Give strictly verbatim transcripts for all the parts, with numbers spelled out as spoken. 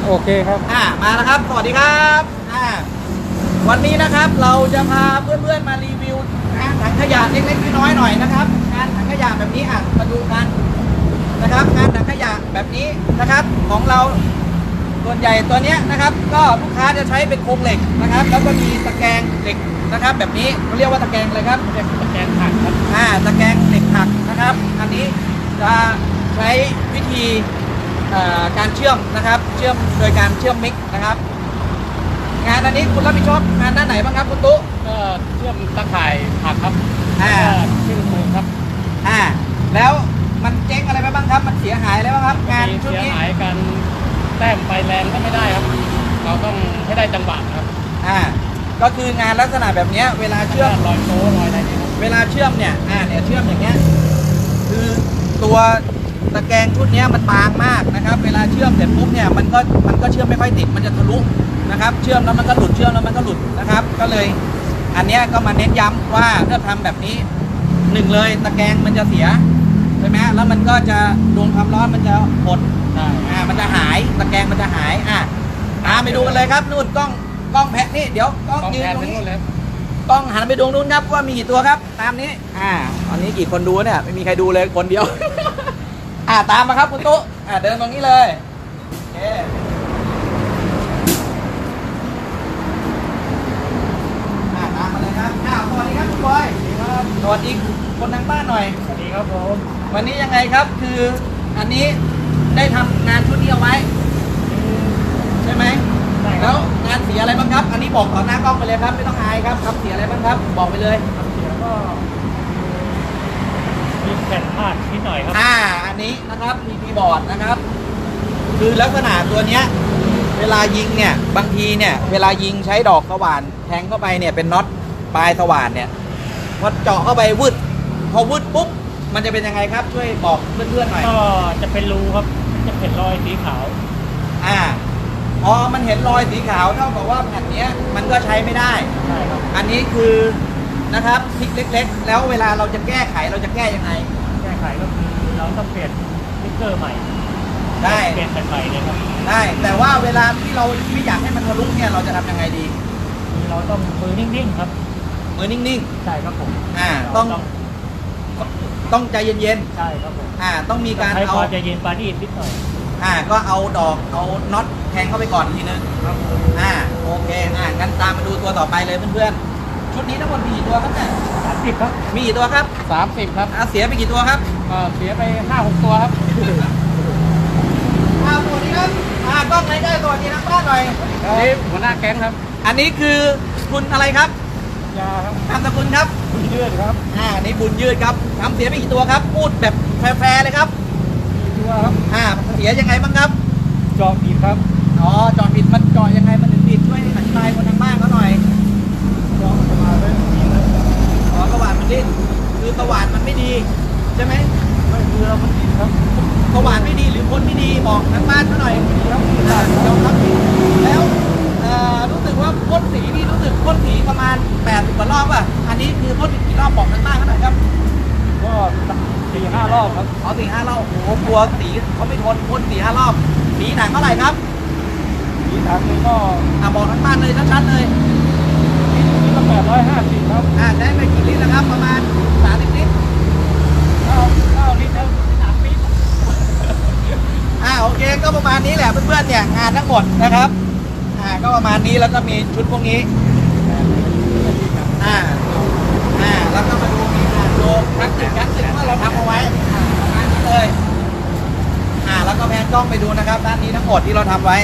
โอเคครับอ่ามาแล้วครับสวัสดีครับอ่าวันนี้นะครับเราจะพาเพื่อนๆมารีวิวงานถังขยะเล็กๆน้อยๆหน่อยนะครับงานถังขยะแบบนี้อ่ะมาดูกันนะครับงานถังขยะแบบนี้นะครับของเราส่วนใหญ่ตัวเนี้ยนะครับก็ลูกค้าจะใช้เป็นโครงเหล็กนะครับแล้วก็มีตะแกรงเหล็กนะครับแบบนี้เขาเรียกว่าตะแกรงอะไรครับตะแกรงถักครับอ่าตะแกรงเหล็กถักนะครับอันนี้จะใช้วิธีการเชื่อมนะครับเชื่อมโดยการเชื่อมมิกนะครับงานอันนี้คุณรับผิดชอบงานด้านไหนบ้างครับคุณตุ๊ก็เชื่อมตะข่ายผักครับอ่าเชื่อมปูนครับอ่าแล้วมันเจ๊งอะไรไปบ้างครับมันเสียหายอะไรบ้างครับงานชุดนี้เสียหายกันแต้มไฟแรงก็ไม่ได้ครับเราต้องให้ได้จังหวะครับอ่าก็คืองานลักษณะแบบนี้เวลาเชื่อมรอยโต้รอยอะไรเนี่ยเวลาเชื่อมเนี่ยอ่าเนี่ยเชื่อมอย่างเงี้ยคือตัวตะแกรงชุดนี้มันบางมากนะครับเวลาเชื่อมเสร็จปุ๊บเนี่ยมันก็มันก็เชื่อมไม่ค่อยติดมันจะทะลุนะครับเชื่อมแล้วมันก็หลุดเชื่อมแล้วมันก็หลุดนะครับก็เลยอันนี้ก็มาเน้นย้ำว่าถ้าทำแบบนี้หนึ่งเลยตะแกรงมันจะเสียใช่ไหมแล้วมันก็จะโดนความร้อนมันจะหดอ่ามันจะหายตะแกรงมันจะหายอ่ะตามไปดูกันเลยครับนู่นกล้องกล้องแพะนี่เดี๋ยวกล้องยืนตรงนี้กล้องหันไปดูนู้นครับว่ามีกี่ตัวครับตามนี้อ่าตอนนี้กี่คนดูเนี่ยไม่มีใครดูเลยคนเดียวอ่าตามมาครับคุณตุ๊อ่าเดินตรงนี้เลยโอเคอ่าตามมาเลยครับอ้าวสวัสดีครับคุณบอยสวัสดีคนทางบ้านหน่อยสวัสดีครับผมวันนี้ยังไงครับคืออันนี้ได้ทำงานชุดนี้เอาไว้ใช่ไหมแล้วงานเสียอะไรบ้างครับอันนี้บอกต่อหน้ากล้องไปเลยครับไม่ต้องอายครับทำเสียอะไรบ้างครับบอกไปเลยทำเสียก็มีแผ่นพาดนิดหน่อยครับอ่าอันนี้นะครับมีคีย์บอร์ดนะครับคือลักษณะตัวเนี้ยเวลายิงเนี่ยบางทีเนี่ยเวลายิงใช้ดอกสว่านแทงเข้าไปเนี่ยเป็นน็อตปลายสว่านเนี่ยพอเจาะเข้าไปวืดพอวืดปุ๊บมันจะเป็นยังไงครับช่วยบอกเพื่อนๆหน่อยก็จะเป็นรูครับจะเป็นรอยสีขาวอ่าพอมันเห็นรอยสีขาวเท่ากับว่าแผ่นนี้มันก็ใช้ไม่ได้ใช่ครับอันนี้คือนะครับทริคเล็กๆแล้วเวลาเราจะแก้ไขเราจะแก้ยังไงแก้ไขก็คือเราต้องเปลี่ยนสติ๊กเกอร์ใหม่ได้เปลี่ยนแผ่นใหม่เลยครับได้แต่ว่าเวลาที่เราไม่อยากให้มันทะลุเนี่ยเราจะทำยังไงดีเราต้องมือนิ่งๆครับมือนิ่งๆใช่ครับผมอ่าต้องต้องใจเย็นๆใช่ครับผมอ่าต้องมีการเอาใจเย็นปานีนิดหน่อยอ่าก็เอาดอกเอาน็อตแทงเข้าไปก่อนทีนึงครับอ่าโอเคอ่างั้นตามมาดูตัวต่อไปเลยเพื่อนๆชุดนี้ทั้งหมดมีกี่ตัวครับเนี่ยสามสิบครับมีกี่ตัวครับสามสิบครับอ่าเสียไปกี่ตัวครับอ่าเสียไปห้าหกตัวครับอ่าสวัสดีครับอ่ากล้องไหนได้สวัสดีนักบ้านหน่อยนี่หัวหน้าแก๊งครับอันนี้คือคุณอะไรครับยาครับนามสกุลครับบุญยืดครับอ่านี่บุญยืดครับทำเสียไปกี่ตัวครับพูดแบบแฟร์เลยครับตัวครับอ่าเสียยังไงบ้างครับจอผิดครับอ๋อจอผิดมันจอยังไงมันถึงผิดช่วยอธิบายคนทางบ้านเขาหน่อยจอสว่านไม่ดีนะอ๋อสว่านมันดิ้นคือสว่านมันไม่ดีใช่ไหมไม่คือเรามันผิดครับสว่านไม่ดีหรือคนไม่ดีบอกทางบ้านเขาหน่อยครับยอมรับผิดแล้วรู้สึกว่าพ่นสีนี่รู้สึกพ่นสีประมาณแปดสิบกว่ารอบอ่ะอันนี้คือพ่นกี่รอบบอกทางบ้านเขาหน่อยครับก็สี่ห้ารอบครับอ๋อสี่ห้ารอบโอ้โหกลัวสีเขาไม่ทนพ่นสี่ห้ารอบสีหนังเท่าไหร่ครับสีหนังนี่ก็อ่าบอกทางบ้านเลยชัดๆเลยนี่ก็แปดร้อยห้าสิบครับอ่าได้ไปกี่ลิตรแล้วครับประมาณสามสิบลิตรเก้าเก้าลิตรแล้วสามลิตรอ่าโอเคก็ประมาณนี้แหละเพื่อนๆเนี่ยงานทั้งหมดนะครับอ่าก็ประมาณนี้แล้วก็มีชุดพวกนี้อ่าอ่าแล้วก็มาดูมีงานโลคลาสสิกคลาสสิกว่าเราทำเอาไว้อ่าประมาณนี้เลยอ่าแล้วก็แพนกล้องไปดูนะครับด้านนี้ทั้งหมดที่เราทำไว้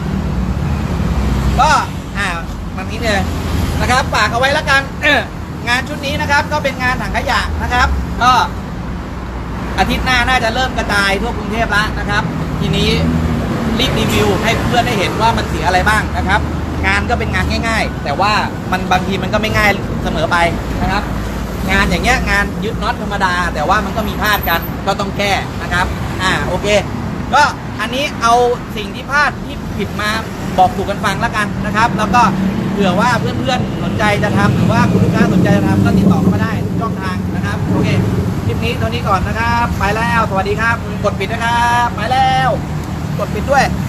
ก็อ่ามันนี้เลยนะครับฝากเอาไว้แล้วกันงานชุดนี้นะครับก็เป็นงานถังขยะนะครับก็อาทิตย์หน้าน่าจะเริ่มกระจายทั่วกรุงเทพแล้วนะครับทีนี้รีบรีวิวให้เพื่อนได้เห็นว่ามันเสียอะไรบ้างนะครับงานก็เป็นงานง่ายๆแต่ว่ามันบางทีมันก็ไม่ง่ายเสมอไปนะครับงานอย่างเงี้ยงานยึดน็อตธรรมดาแต่ว่ามันก็มีพลาดกันก็ต้องแก้นะครับอ่าโอเคก็อันนี้เอาสิ่งที่พลาดที่ผิดมาบอกสู่กันฟังแล้วกันนะครับแล้วก็เผื่อว่าเพื่อนๆสนใจจะทำหรือว่าคุณลูกค้าสนใจจะทำก็ติดต่อเข้ามาได้ทุกช่องทางนะครับโอเคคลิปนี้เท่านี้ก่อนนะครับไปแล้วสวัสดีครับกดปิดนะครับไปแล้วกดปิดด้วย